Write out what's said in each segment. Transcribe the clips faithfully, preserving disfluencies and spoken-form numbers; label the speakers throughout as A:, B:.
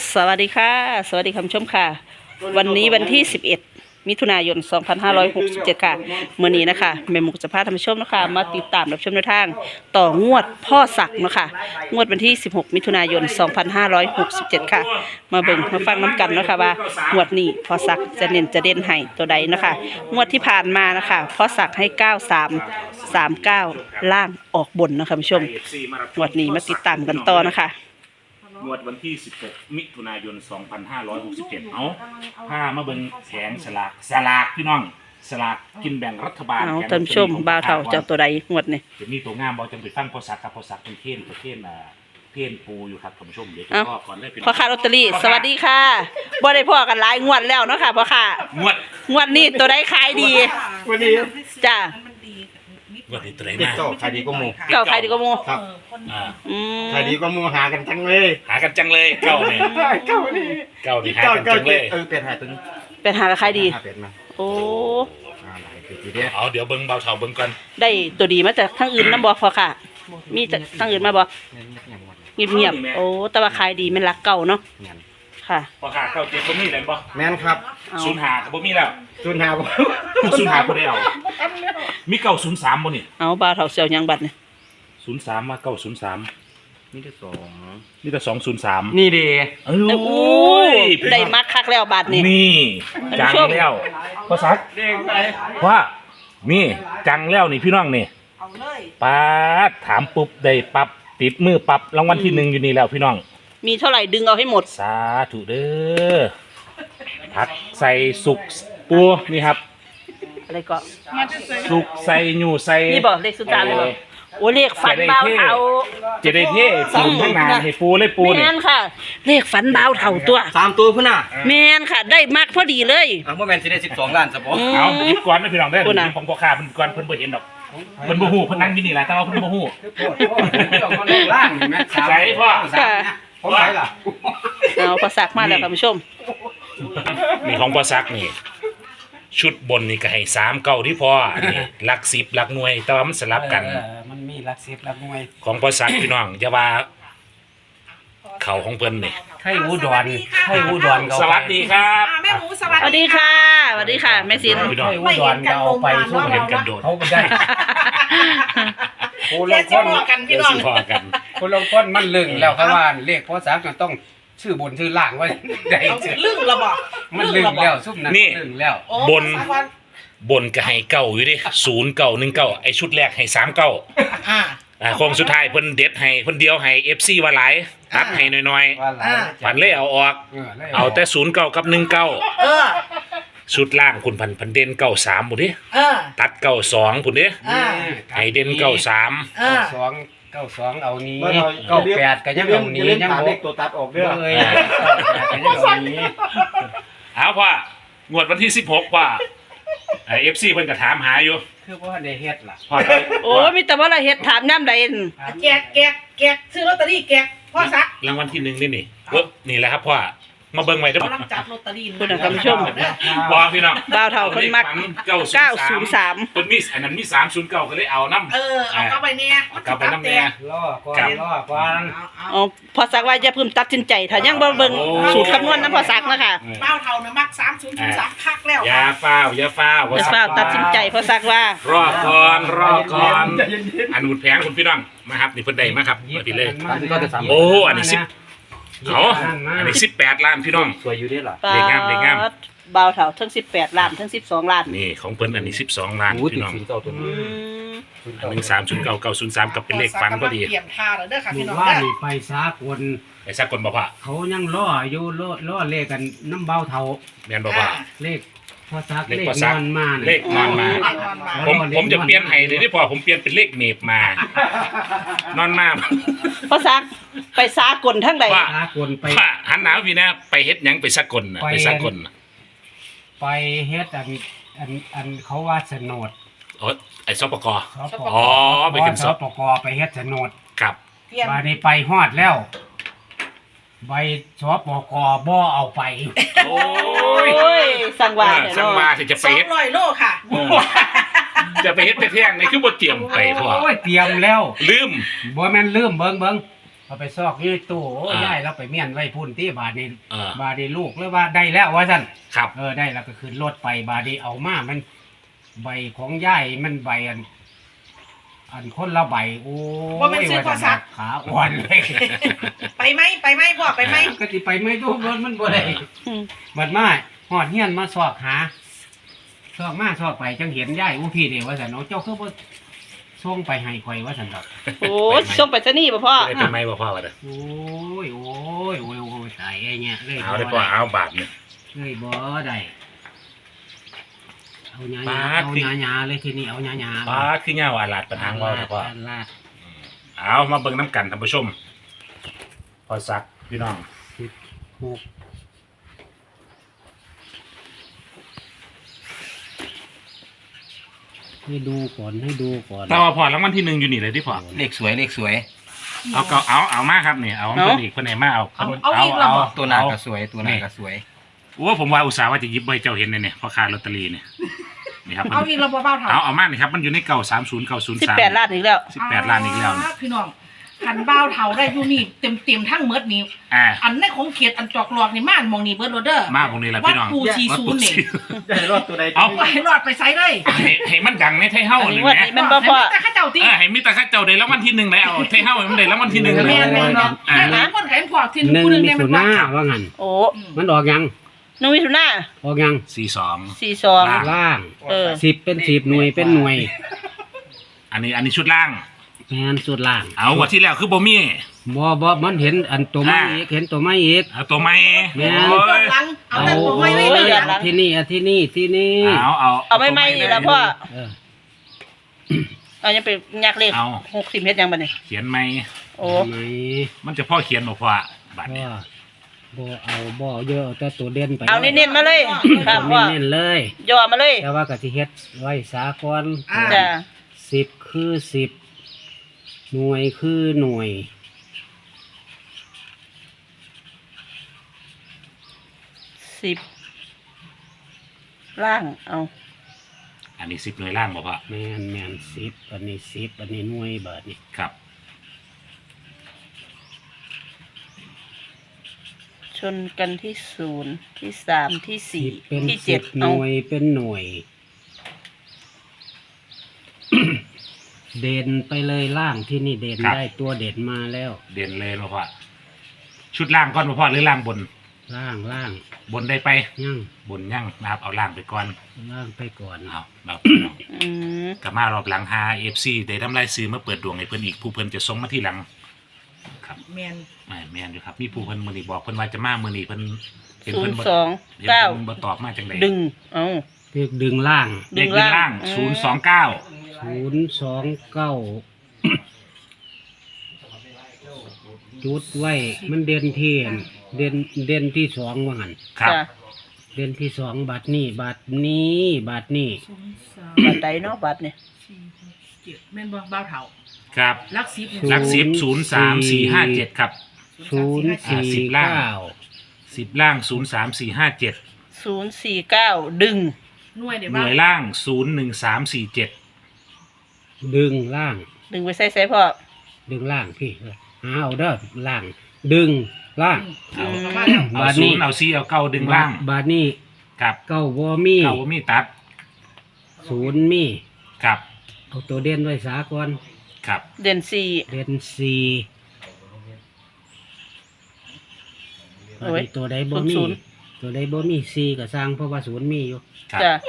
A: สวัสดีค่ะสวัสดีคุณผู้ชมค่ะวันนี้วันที่สิบเอ็ดมิถุนายนสองพันห้าร้อยหกสิบเจ็ดค่ะเมื่อนี้นะคะแม่หมูจะพาท่านผู้ชมนะคะมาติดตามรับชมแนวทางต่องวดพ่อศักดิ์นะคะงวดวันที่สิบหกมิถุนายนสองพันห้าร้อยหกสิบเจ็ดค่ะมาเบิ่งมาฟังน้ำกันนะคะว่างวดนี้พ่อศักดิ์จะเน้นจะเด่นให้ตัวใดนะคะงวดที่ผ่านมานะคะพ่อศักดิ์ให้เก้าสามสามเก้าล่างออกบนนะคะผู้ชมงวดนี้มาติดตามกันต่อนะคะ
B: งวดวันที่สิบหกมิถุนายนสองพันห้าร้อยหกสิบเจ็ดเอาผ้ามาเบิ่งแผงสลากสลากพี่น้องสลากกินแบ่งรัฐบาล
A: เอาท่านผู้ชมบ่าวเฒ่าเจ้าตัวใดงวดนี่
B: จะมีตัวงามบ่จังไปฟังพอสักกับพอสักเป็นเทนเทนอ่าเทนปูอยู่ครับท่านผู้ชมเดี๋ยวจะพ่อก่อนเลย
A: พ่อค้าลอตเตอรี่สวัสดีค่ะบ่ได้พ่อกันหลายงวดแล้วเนาะค่ะพ่อค้าง
B: วด
A: งวดนี้ตัวใดขายดี
C: วันนี้
A: จ้า
B: วันนี้ตัวไหนมา
C: เก่าขายดีกว่าหมู
A: เก่าขายดีกว่าหมู
C: ครับ
B: อ่า
C: ขายดีกว่าหมูหากันจังเลย
B: หากันจังเลยเก่าเนี่ย
C: เก่านี่
B: เก่านี่หากันจังเลย
C: เออเป็ดหาตึง
A: เป็นหาขายดี
C: เป็ดมา
A: โอ้
B: เอาเดี๋ยวเบิ่งเบาเฒ่าเบิ่งก่อน
A: ได้ตัวดีมาจากทางอื่นนำบ่พ่อค่ะมีจากทางอื่นมาบ่เงียบๆโอ้แต่ว่าขายดีแม่นรักเก่าเนาะค่ะ
B: พอขาเก่าเจ็บบ่มีแล้วบ่
C: แม่นครับ
B: ศูนย์ห้าก็บ่มีแล้ว
C: ศูนย์ห้าบ่
B: ศูนย์ห้าบ่ได้เอามีเก้าศูนย์สามบ่นี่
A: เอาบ่าวเฒ่าเสี่ยวยังบัดนี่
B: ศูนย์สามมาเก้าศูนย์สาม
C: มีแต่สอง
B: มีแต่สองศูนย์สาม
C: นี่ดี
B: โอ้
A: ยได้มักคักแล้วบัดนี่
B: นี่จังแล้วภาษา
C: เด้งไป
B: ว่านี่จังแล้วนี่พี่น้องนี่เอาเลยป๊าดถามปุ๊บได้ปั๊บติดมือปั๊บรางวัลที่หนึ่งอยู่นี่แล้วพี่น้อง
A: มีเท่าไหร่ดึงเอาให้หมด
B: สาธุเด้อผักใส่สุกปูนี่ครับ
A: อะไรก็
B: สุกใส่หนูใส่
A: นี่บอกเลขสุดท้ายเลยบอกโอ้เลขฝันเบาเท่า
B: จะได้เท่ปูทั้งนานให้ปูเลยปูนี่
A: แม่นค่ะเลขฝันเบาเท่าตัว
C: สามตัวพุ่นน่ะ
A: แม่นค่ะได้มากพอดีเลย
C: อ่ะบ่แม่นสิได้สิบสองล้านซะบ่
B: เอาหยิบก่อนนะพี่น้องได้อของพ่อค้าเพิ่นก่อนเพิ่นบ่เห็นดอกเพิ่นบ่ฮู้เพิ่นนั่งอยู่นี่แหละแต่ว่าเพิ่นบ่ฮู้
C: ล่างนี่แม่
B: ใส่พ่อ
C: ผมใส่ล่ะ
A: เอาภาษามาแล้วท่านผู้ชม
B: นี่ของพ่อซักนี่ชุดบนนี่ก็ให้สามเก้าที่พอนี่หลักสิบหลักหน่วยแต่ว่ามันสลับกัน
C: มันมีหลักสิบหลักหน่วย
B: ของพ่อซักพี่น้องอย่าว่าเขาของเพิ่นนี่
C: ไทยอุดรไทยอุดร
B: สวัสดีครับ
D: แม่หมูสวัส
A: ดีค่ะสวัสดีค่ะแม่ซิน
B: ไทย
C: อุดรเอาไปสู้เห็นกันโดดเขาได้
D: โอ้ลงคนกันพี่น้อง
C: คนลงคนมันลึงแล้วครับว่าเลขพ่อซักต้องชื่อบนชื่อล่างไว้ได้
D: ลึงระบอก
C: มันลึงแล้วซุ่มนั้นลึงแล้ว
B: บนบนก็ให้เก้าอยู่ดิศูนย์เก้าหนึ่งเก้าไอชุดแรกให้สามเก้าอ่าอ่าโค้งสุดท้ายเพิ่นเด็ดให้เพิ่นเดียวให้เอฟซีว่าหลายตัดให้น้อยๆฝันเลยเอาออกเอาแต่ศูนย์เก้ากับหนึ่งเก้าชุดล่างคุณพันพันเด่นเก้าสามหมดดิตัดเก้าสองคุณดิให้เด่นเก้าสาม
C: สองเก้าสองเอานี้เก้าแปดก็ยังเอานี้ยังเอาตัวตัดออกเด้อเลยก็ยังเอานี้
B: เอาพ่องวดวันที่สิบหกพ่อไอเอฟซีเพิ่นก็ถามหาอยู่
C: คือว่าได้เฮ็ดล่ะ
A: โอ้มีแต่ว่าเราเฮ็ดถามน้ำใด
D: แกกแกกแกกซื้อลอตเตอรี่แกกพ่อซัก
B: รางวัลที่หนึ่งนี่นี่เออนี่แหละครับพ่อมาเบิ่งไว้เด้อ
D: กำลังจับลอตเตอรี่
A: คุณท่านผู้ชม
B: บ่พี่น้อง
A: บ่าวเฒ่าเพิ่นมักเก้าศูนย์สาม
B: เพิ่นมีอันนั้นมีสามศูนย์เก้าก็เลยเอานำ
D: เออเอากลับไปแน่
B: กลับไปนำแน่
C: รอก่อนรอก่อน
A: อ๋อพอสักว่าอย่าเพิ่งตัดสินใจถ้ายังบ่เบิ่งสูตรคำนวณนำพอสักนะคะ
D: บ่าวเฒ่าน่ะมักสามศูนย์ศูนย์สามคักแล้ว
B: อย่าฟ้าวอย่าฟ้าว
A: อย่าฟ้าวตัดสินใจพอสักว่าร
B: อก่อนรอก่อนอันนู้นแพงคุณพี่น้องมาครับนี่เพิ่นได้มาครับมาพี่เลยโอ้อันนี้สิบเอาอันนี้สิบแปดล้านพี่น้อง
C: สวยอยู่ด้หรอ
B: เด็กงามเด็กงาม
A: บ่าวเฒ่าทั้งสิบแปดล้านทั้งสิบสองล้าน
B: นี่ของเพิ่นอันนี้สิบสองล้านพี่น้องอันหนึ่งสามศูนย์เก้าเก้าศูนย์สามกับเป็นเลขฟันก็ดี
D: เตรียมท่าแล้วเด้อค่ะพี่น้อง
C: ว่าไปสากล
B: ไปสากลบ่พ่อ
C: เขายังล่ออยู่ล่อล่อเลขกันน้ำเบาเฒ่า
B: แม่นบ่พ่อ
C: เลขพอซักเลขนอนมา
B: เลขนอนมาผมผมจะเปลี่ยนให้เลยที่พอผมเปลี่ยนเป็นเลขเมฟมานอนมา
A: พอซักไปสากลทั้งใด
C: สากลไป
B: หันหนาวพี่นะไปเฮ็ดหยังไปสากลไปสากล
C: ไปเฮ็ดอันอันอันเขาว่าสนด
B: อ๋อไอ้สปก
C: อ๋อไปขึ้นสปกไปเฮ็ดสนด
B: ครับ
C: มาได้ไปฮอดแล้วใบสปกบ่เอาไป
B: โอ้
A: ยสังวา
B: สังวาที่จะไปเฮ็ด
D: สองร้อยโลค่ะ
B: จะไปเฮ็ดไปแท่งนี่คือบ่เตรียมไปพ่อ
C: โอ้ยเตรียมแล้ว
B: ลืม
C: บ่แม่นลืมเบิ่งเบิ่งเอาไปซอกอยู่ในตู้โอ้
B: อ่า
C: ยายเราไปเมียนไว้พุ่นที่บาดนี้
B: เออ
C: บาดนี้ลูกเลยว่าได้แล้วว่าซั่น
B: ครับ
C: เออได้แล้วก็ขึ้นรถไปบาดนี้เอามามันใบของยายมันใบอัน อันคนละใบโอ้ย
D: ว่ามันซื้อพอสัก
C: ขาอ่อนเลย
D: ไปไหมไปไหมพ่อไปไหม
C: ก็สิไปไม่ทุกรถมันบ่ได้
A: อืม
C: บัดมาหอดเฮียนมาสอกหาสอกมาสอกไปจังเห็นยายอู้พี่เดียวว่าสันเอาเจ้าคือบ่ส่งไปให้ข่อยว่าสันดอก
A: โอ้ยส่งไปซะนี่ป่ะพ่อ
B: ได้เป็นไหมบ่พ่อวะเด้อ
C: โอ้ยโอ้ยโอ้ยโอ้ยตายไอ้เงี้ยเลย
B: เอาได้พ่อเอาบาทเนี่ย
C: เลยบ่ได้เอาหยา
B: ปาด
C: เอา
B: สิ
C: หยาหยาเลยทีนี้เอาหยาหยา
B: ป้าดคือเงาอาลาดปัญหาเราเด้อพ่อ
C: ลาด
B: เอามาเบิ่งน้ำกันท่านผู้ชมพอสักพี่น้อง
C: สิบหกให้ดูก่อนให้ดูก่อน
B: แต่ว่าพอรางวัลที่หนึ่งอยู่นี่เลยที่พอ
E: เลขสวยเลขสวย
B: เอาเก็เอาเอามาครับนี่เอาเพิ่นอีกเพิ่นไหนมาเอา
D: เอาเอาอีกแล้วบอก
E: ตัวหน้าก็สวยตัวหน้าก็สวย
B: โอ้ผมว่าอุตส่าห์ว่าจะหยิบใบเจ้าเห็นเลยเนี่ยพอค้าลอตเตอรี่เนี่ยนี่ครับ
D: เอาอีกเราเบาๆเถ
B: เอา
D: อะ
B: เอามานี่ครับมันอยู่ในเก่าสามศูนย์เก่าศูนย์
A: สิบ
B: สาม
A: แปดล้านอีกแล้ว
B: สิบแปดล้านอีกแล้ว
D: พี่น้องขันเบาเถาได้อยู่นี่เต็มเต็มๆทั้งเมดนี่
B: อ่า
D: อันในของเขียดอันจอกหลอกนี่ม่านมองนี่เบิร์ดโรเดอร์
B: มาตรงนี้แหละ
D: วั
B: พี่
D: ด
B: น้อง
D: ปูชีซูนนี่
E: ได้รอดตัวใด
B: เอา
D: ไปรอดไปไซเลย
B: ให้ให้มันดังในไทยเฮ้า
A: อัน
B: เล
A: นี้
B: ย
A: งวด
B: แหม
A: นี้มันบ่พ่อ
D: แต่ข้าเจ้าตี
B: เออให้มิตรข้าเจ้าได้รางวัลที่หนึ่งเลยเอาไทยเฮ้าให้มันได้รางวัลที่หนึ่งเลย
D: แม่นแม่นเนาะ
B: อ่า
D: หลายคนแข่งพอทิ้ง
C: หนึ่ง
D: ผู้หนึง
C: มิ
D: เนี่ยมั
C: ถุ
D: น
C: นา
D: ว่า
C: ว่างั้น
A: โอ้
C: มันออกยัง
A: หนึ่งมิถุนา
C: ออกยัง
B: สี่สอง
A: สี่สอง
C: ล่าง
A: เออ
C: สิบเป็นสิบหน่วยเป็นหน่วย
B: อันนี้อันนี้ชุดล่าง
C: แมนสุดล่าง
B: เอางวดที่แล้วคือบ่มี
C: บ่บ่มันเห็นอันตัวไม้
B: อ่า
C: อีกเห็นตัวไม้อีก
B: เอาตัวไม้
C: แม่น
B: โอ้
D: ย้อน
B: ย
D: หลังเอา
C: เอา
D: แต่ตัวไม่ไม่
A: โอ้
D: ไม่
A: ย
D: เลย
A: หลัง
C: ที่นี่อ่ะที่นี่ที่นี่
B: เอาเอา
A: เอาไม่ไม่นี่ละพ่อ
C: เออ
A: เอายังไปยักเลข
B: เอา
A: หกสิบเมตรยังบัดนี้
B: เขียนไหม
A: โอ้
C: ไหม
B: มันจะพ่อเขียนบอกว่าบัตร
C: บ่
B: เนี่ย
C: บ่เอาบ่เยอะเอาแต่ตัวเด่นไป
A: เอาเน้นๆมาเลยครับพ่อ
C: เน้นๆเลย
A: ย่อมาเลย
C: แต่ว่ากะสิเฮ็ดไว้สากล
A: จ้ะ
C: สิบคือสิบหน่วยคือหน่วย
A: สิบล่างเอา
B: อันนี้สิบหน่วยล่างบอกว่า
C: แมนแมนสิบอันนี้สิบอันนี้หน่วยบาทนี่
B: ครับ
A: ชนกันที่ศูนย์ที่สามที่สี่
C: สิบเป็น
A: ที่
C: สิ
A: เจ็ด
C: บห
A: เอา
C: น่วยเป็นหน่วย เด่นไปเลยล่างที่นี่เด่นได้ตัวเด่นมาแล้ว
B: เด่นเลยบอกว่าชุดล่างก่อนบอกว่าหรือล่างบน
C: ล่างล่าง
B: บนได้ไป
C: ยั่ง
B: บนยั่งนะครับเอาล่างไปก่อน
C: ล่างไปก่อน
B: เอาเรา
A: อืม
B: กลับมารอบหลังหาเอฟซีได้ทำลายซื้อมาเปิดดวงให้เพิ่นอีกผู้เพิ่นจะส่งมาที่หลังครับ
D: แมน
B: แม่แม่นอยู่ครับมีผู้เพิ่นมื้อนี้บอกเพิ่นว่าจะมามื้อนี้เพิ่นเห็น
A: ศู
B: เพิ่
A: น
B: น
A: ย์
B: บ่
A: สอง
B: เห็น
A: เก้า
B: เพิ่นบ่ตอบมาจังได๋
A: ดึงเอา
C: เรียกดึงล่าง
B: เด็กขึ้นล่าง
A: อืม
B: ศูนย์สองเก้า
C: ศูนย์สองเก้าจุดไว้มันเด่นที่อันเด่นเด่นที่สองว่างัน
B: ครับ
A: จ้ะ
C: เด่นที่สองบาทนี้บาทนี้บาทนี้
D: ศูนย์สาม
A: บัตรใดเนาะบัตรเนี่ย
D: สี่หกเจ็ดแม่นบ่เบาเถา
B: ครับ
D: ลักซิบ
B: หลักสิบศูนย์สามสี่ห้าเจ็ดครับ
C: ศูนย์
B: อ่า
C: สี่
B: สิบล่าง
C: เก้า
B: สิบล่างศูนย์สามสี่ห้าเจ็ด
A: ศูนย์สี่เก้าดึง
D: หน่วยเดี๋ยว
B: ห
D: บ้า
B: น่วยล่างศูนย์หนึ่งสามสี่เจ็ด
C: ดึงล่าง
A: ดึงไปใส่ใส่พ่อ
C: ดึงล่างพี่หาเอาเด้อล่าง ดึงล่าง
B: เอา
A: อืม
D: มาแล้ว
B: เอา
C: บาท
B: ศู
C: นี้
B: นย์เอาซีเอาเก้าดึงล่าง
C: บาทนี้
B: ครับ
C: เก้าบ่มี
B: เก้าบ่มีตัด
C: ศูนย์มี
B: ครับ
C: เอาตัวเด่นไว้สากล
B: ครับ
A: เด่นสี่
C: เด่นสี่บาท
A: โอ้ย
C: นี้ตัวใดบ่มี
A: ศูนย์
C: ตัวใดบ่มีสี่ก็สร้างเพราะว่าศูนย์มีอยู่
B: ครับ
A: จ้ะ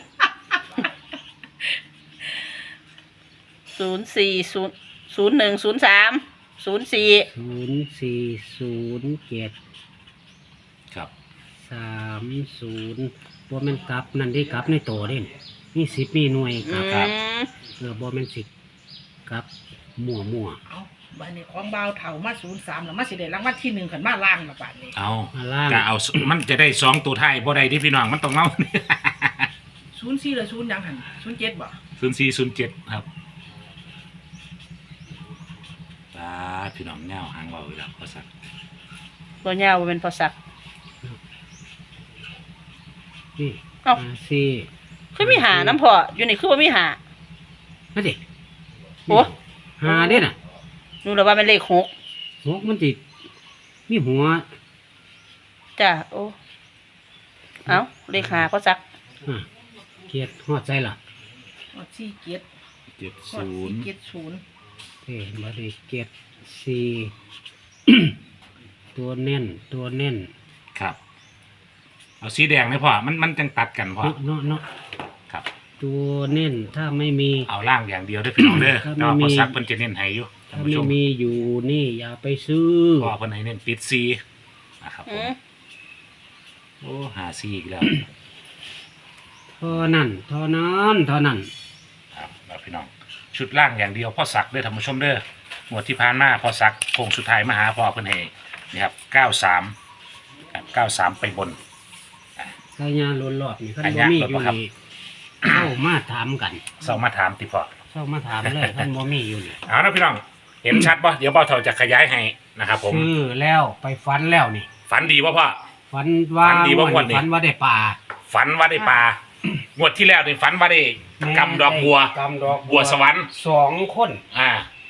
A: ศูนย์สี่ศูนย์ศูนย์หนึ่งศูนย์สามศูนย์สี่
C: ศูนย์สี่ศูนย์เจ็ด
B: ครับ
C: สามศูนย์บ่แม่นกลับนั่นที่กลับในโตเด่นมีสิบมีหน่วยก
A: อื
C: ลับ
A: ม
C: เออบ่แม่นสิกลับมั่วมั่ว
D: เอาบัดนี้ของเบาเถามาศูนย์สามแล้วมาสิได้รางวัลที่หนึ่งขันมาล่างละบาทนี้
B: เอา
C: ๆมาล่าง
B: ก็เอา มันจะได้สองตัวท้ายบ่ได้ที่พี่น้องมันต้องเอา
D: ศูนย์สี่หรือศูนย์ยังหันศูนย์เจ็ดบ่
B: ศูนย์สี่ศูนย์เจ็ดครับตาพี่น้องเงาหางเบาอีกแล้วพอสัก
A: บ่ยาวบ่เป็นพอสัก
C: นี่
A: เอ้า
C: ห้าสี่
A: คือมีหาน้ำพออยู่นี่คือว่ามีหา
C: นั่นดิ
A: โอ้
C: หาเด้น่ะ
A: ดูแล้วว่าเป็นเลขหก
C: หกมันติดมีหัว
A: จ้ะโอ้เอาเลขหาพ่อซัก
C: อ่ะเกียรติฮอดใจล่ะ
D: อดสี่เกียรติ
B: เจ็ด
D: อด
B: ศู
D: สี่
B: นย์
D: เกียรติศูนย์
C: เอ้บริเกียรติสี่ ตัวเน้นตัวเน้น
B: ครับเอาสีแดงเลยพ่อมันมันจังตัดกันพ่อ
C: เนาะเนาะเนาะ
B: ครับ
C: ตัวเน้นถ้าไม่มี
B: เอาล่างอย่างเดียวได้อพี่น้องเด้อ
C: ถ้า
B: แต่
C: ไม่
B: ว่า
C: มี
B: พอซักเพิ่นจะเน้นให้อยู่ท่าน
C: ถ้า
B: ผู้ช
C: ไม่
B: ม
C: มีอยู่นี่อย่าไปซื้อ
B: พ่อเพิ่นให้เน้นปิดซีนะครับผ
A: อื
B: ม
A: ม
B: โอ้หาซีอีกแล้ว
C: เท่านั้นเท่านั้นเท่านั้น
B: ครับแล้วพี่น้องชุดล่างอย่างเดียวพ่อซักเด้อท่านผู้ชมเด้อหมวดที่ผ่านมาพ่อซักโค้งสุดท้ายมาหาพ่อเพิ่นให้นี่ครับเก้าสามครับเก้าสามไปบน
C: กายาล้นรอบนี่คัน
B: กา
C: บ่
B: ยา
C: มี
B: ล้น
C: อยู่
B: บ่ครับ
C: นี่เข้ามาถามกัน
B: เศร้ามาถามติพ่อ
C: เข้ามาถามเลยคันบ่มีอยู่นี่
B: เอานะพี่น้องเห็นชัดป่ะเดี๋ยวเบาเถาจะขยายให้นะครับผม
C: ซื้อแล้วไปฝันแล้วนี่
B: ฝันดีป่ะพ่อ
C: ฝันว่า
B: ฝันดีบ่ม่วนนี่
C: ฝันว่าได้ปลา
B: ฝันว่าได้ปลางวดที่แล้วนี่ฝันว่าได้กำดอกบัว
C: กำดอก
B: บัวสวรรค์
C: สองคน
B: อ่าก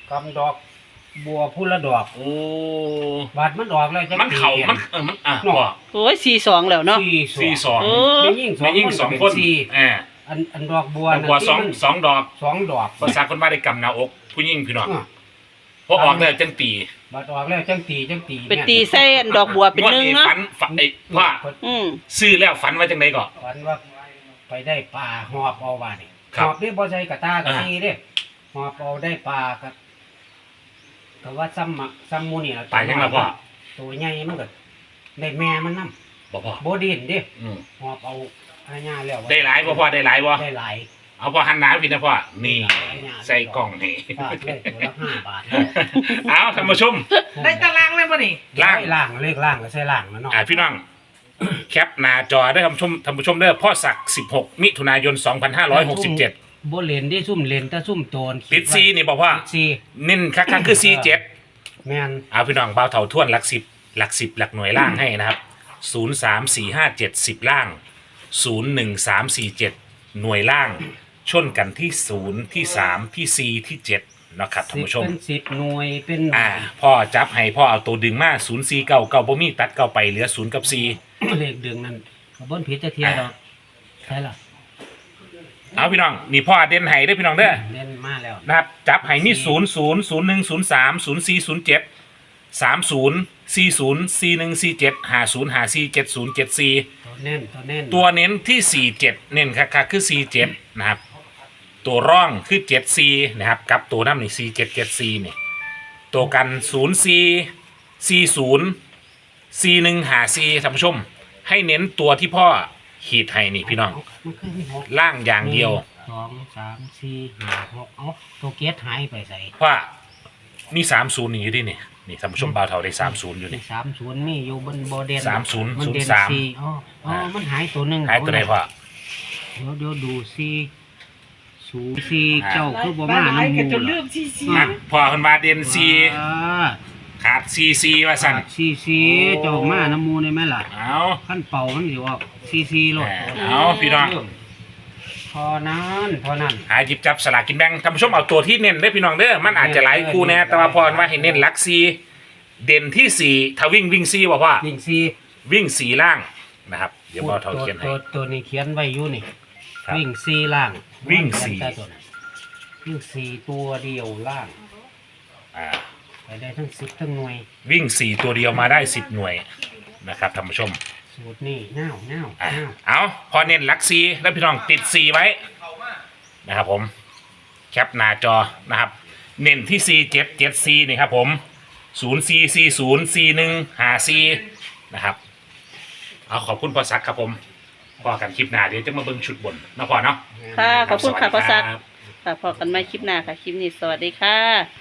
C: ำดอกบัวผู้ละดอก
B: โอ้
C: บาดมันดอกแล้วจะ
B: มันเข่ามันเออมันอ่ะพ่อ
A: โอ้ยสี่สองแล้วเนาะ
C: สี่
B: สี่สอง
A: โอ้
C: ไม่ยิ่งสอ
B: ไม่
C: ง
B: ยิ่งสอง
C: เป็
B: คน
C: สี่
B: อ่า
C: อันอันดอกบัว
B: ดอกบัวสอง
C: ที่มัน
B: สองดอก
C: สองดอก
B: ภาษาคนว่าได้กำหนาอก ผู้ยิ่งพี่น้อง
C: อ่ะ
B: พอออกแล้วจังตี
C: บาดออกแล้วจังตีจังตี
A: เป็นตีเส้นดอกบัวเป็น
B: งวด
A: หนึ่ง
B: นี้
A: เนาะ
B: ฝันฝันไอ้พ่อ
A: อืม
B: ซื้อแล้วฝันว่าจังไดก่อน
C: ฝันว่าไปได้ปลาหอบเอาว่านี่
B: ค
C: ห
B: รับ
C: อบนี่บ่ใช่กระตากระ
B: อ่า
C: ตีเด้หอบเอาได้ปลากับแต่ว่าซ้ำมะซ้ำหมูนี่ล่ะ
B: ตายยังไงพ่อ
C: ตัวใหญ่มันก็ได้แม่มันนำ
B: บอกพ่อ
C: บ่ดินเด้
B: อืม
C: หอบเอาอาญาแล้ว
B: ได้หลายบ่พ่อได้หลายบ่
C: ได้หลาย
B: เอาพ่อหันหน้าพี่นะพ่อนี่ใส่กล่องนี่
C: ฟาดเลยตัวละห้าบาท
B: เอาท่านผู้ชม
D: ได้ตารางเลยป่ะนี่
B: ล่าง
C: ล่างเลขล่างก็ใช่ล่างแล้วเนาะ
B: อ่าพี่น้อง แคปหน้าจอได้ท่านผู้ชมท่านผู้ชมเด้อพ่อศักดิ์สิบหกมิถุนายนสองพันห้าร้อยหกสิบเจ็ด
C: บ่เล่นได้ซุ่มเล่นแต่ซุ่มโตน
B: ติดซีนี่บอกว่า
C: ติดซี
B: เน้นคักๆคือซีเจ็ด
C: แม่น
B: เอาพี่น้องเบาเท่าท่วนหลักสิบหลักสิบหลักหน่วยล่างให้นะครับศูนย์สามสี่ห้าเจ็ดสิบล่างศูนย์หนึ่งสามสี่เจ็ดหน่วยล่าง ชนกันที่ศูนย์ที่สามที่ซีที่เจ็ดนะครับท่าน
C: สิบ
B: ผู้ชม
C: เป็นสิบหน่วยเป็นหน่วย
B: อ่าพ่อจับให้พ่อเอาตัวดึงมาศูนย์ซีเก้าเก้าบ่มีตัดเก้าไปเหลือศูนย์กับซี
C: เลขดึงนั่นก็บ่นผิดจะเทียดอกใช่ล่ะ
B: เอาพี่น้องนี่พ่อเด่นให้ได้อพี่น้องเด้อ
C: เล่นมาแล้ว
B: นะครับจับให้มีศูนย์ศูนย์ศูนย์หนึ่งศูนย์สามศูนย์สี่ศูนย์เจ็ดสามศูนย์สี่ศูนย์สี่หนึ่งสี่เจ็ดห้าศูนย์ห้าสี่เจ็ดศูนย์เจ็ดสี่
C: ตัวเน้นตัวเน้น
B: ตัวเน้นที่สี่เจ็ดเน้นคักๆคือสี่เจ็ดนะครับตัวร่องคือเจ็ดสี่นะครับกับตัวน้ำนี่สี่เจ็ดเจ็ดสี่นี่ตัวกันศูนย์สี่สี่ศูนย์สี่หนึ่งห้าสี่ท่านผู้ชม ให้เน้นตัวที่พ่อขีดให้นี่พี่น้อง
C: มันคือมีหก
B: ล่างอย่างเดียว
C: หนึ่งสองสามสี่ห้าหกเอ้าตัวเกียร์หายไปใส่
B: เพราะว่ามีสามศูนย์นี่อยู่ดินี่นี่ท่านผู้ชมบ่าวเท่าได้สามศูนย์อยู่นี่
C: สามศูนย์มีอยู่บนโบเดน
B: สามศูนย์
C: มันเดน
B: ศูนย์สาม
C: สี่อ๋ออ๋อมันหายตัวหนึ่ง
B: หายตัวไหนพ่อ
C: เดี๋ยวเดี๋ยวดูสี่ศูนย์สี่
B: อ่า
C: เจ้าคือบ่
D: บ้า
C: มา
D: หลาย
C: น้ำห
D: กัน
C: มู
D: จนลื
C: ล่ะ
D: มซีซี
B: อ่ะพ่อคนมาเด่นซี
C: อ่า
B: ขาดซีซีว่าสั่น
C: สี่สี่เจ้ามาน้ำหมูได้ไหมล่ะ
B: เอา
C: ขั้นเป่ามันสิออกสี่สี่โลด
B: เอาพี่น้อง
C: พอนั้นพอนั้น
B: หาหยิบจับสลากกินแบ่งท่านผู้ชมเอาตัวที่เน้นได้อพี่น้องเด้อมันอาจจะหลายคู่แน่แต่ว่าพอว่าให้เน้นหลักซีเด่นที่สี่ถ้าวิ่งวิ่งซีบอกว่า
C: วิ่งสี่
B: วิ่งสีล่างนะครับเดี๋ยวพ่อเท่าเขียนให้
C: ตัวตัวนี้เขียนไว้อยู่นี่
B: ครับ
C: วิ่งสี่ล่าง
B: วิ่งสี่
C: เขียนใต้ตัวนั้นวิ่งสี่ตัวเดียวล่าง
B: อ่า
C: ไปได้ทั้งสิบทั้งหน่วย
B: วิ่งสี่ตัวเดียวมาได้สิบหน่วยนะครับท่านผู้ชม
C: สูตรนี่เน่าเน่า
B: อ่ะ
C: เน่า
B: เอาพอเน้นหลักซีแล้วพี่น้องติดซีไว้นะครับผมแคปหน้าจอนะครับ เน้นที่ซีเจ็ดเจ็ดซีนี่ครับผมศูนย์ซีซีศูนย์ซีหนึ่งหาซีนะครับเอาขอบคุณพ่อซักครับผมพอกันคลิปหน้าเดี๋ยวจะมาเบิ่งชุดบนนะพ่อเนาะ
A: ค่ะ ขอบคุณค่ะพ่อซัก
B: สวัสดีรับ
A: ค่ะพอกันใหม่คลิปหน้าค่ะ คลิปนี้สวัสดีค่ะ